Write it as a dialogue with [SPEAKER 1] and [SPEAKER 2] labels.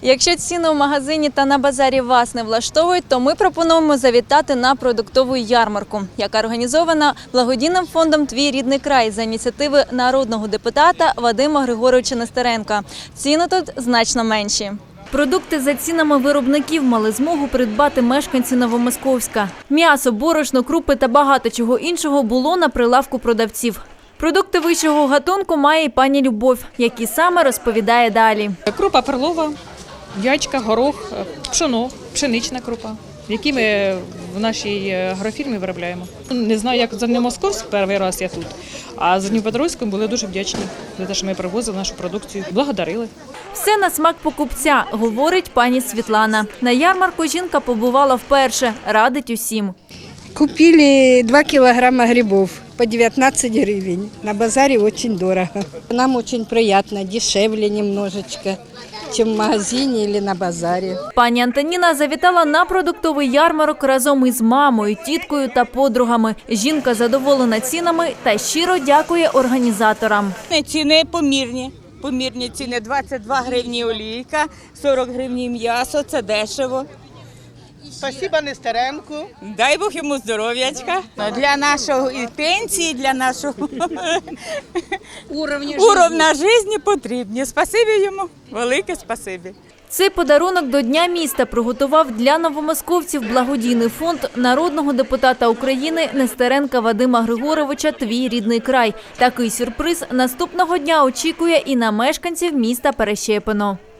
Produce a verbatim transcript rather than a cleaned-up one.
[SPEAKER 1] Якщо ціни у магазині та на базарі вас не влаштовують, то ми пропонуємо завітати на продуктову ярмарку, яка організована благодійним фондом «Твій рідний край» за ініціативи народного депутата Вадима Григоровича Нестеренка. Ціни тут значно менші. Продукти за цінами виробників мали змогу придбати мешканці Новомосковська. М'ясо, борошно, крупи та багато чого іншого було на прилавку продавців. Продукти вищого гатунку має і пані Любов, які саме розповідає далі.
[SPEAKER 2] Крупа перлова, ячка, горох, пшоно, пшенична крупа, які ми в нашій агрофірмі виробляємо. Не знаю, як за Новомосковськ, перший раз я тут, а за Дніпропетровськом були дуже вдячні за те, що ми привозили нашу продукцію. Благодарили.
[SPEAKER 1] Все на смак покупця, говорить пані Світлана. На ярмарку жінка побувала вперше, радить усім.
[SPEAKER 3] Купили два килограмма грибов по девятнадцать гривен. На базаре очень дорого. Нам очень приятно, дешевле немножечко, чем в магазине или на базаре.
[SPEAKER 1] Пані Антоніна завітала на продуктовий ярмарок разом із мамою, тіткою та подругами. Жінка задоволена цінами та щиро дякує організаторам.
[SPEAKER 4] Ціни помірні. Помірні ціни двадцять два гривні олійка, сорок гривень м'ясо, це дешево.
[SPEAKER 5] Спасибо Нестеренку.
[SPEAKER 4] Дай Бог йому здоров'ячка. Для нашого і пенсії, для нашого уровня життя потрібні. Спасибі йому, велике спасибі.
[SPEAKER 1] Цей подарунок до Дня міста приготував для новомосковців благодійний фонд народного депутата України Нестеренка Вадима Григоровича «Твій рідний край». Такий сюрприз наступного дня очікує і на мешканців міста Перещепино.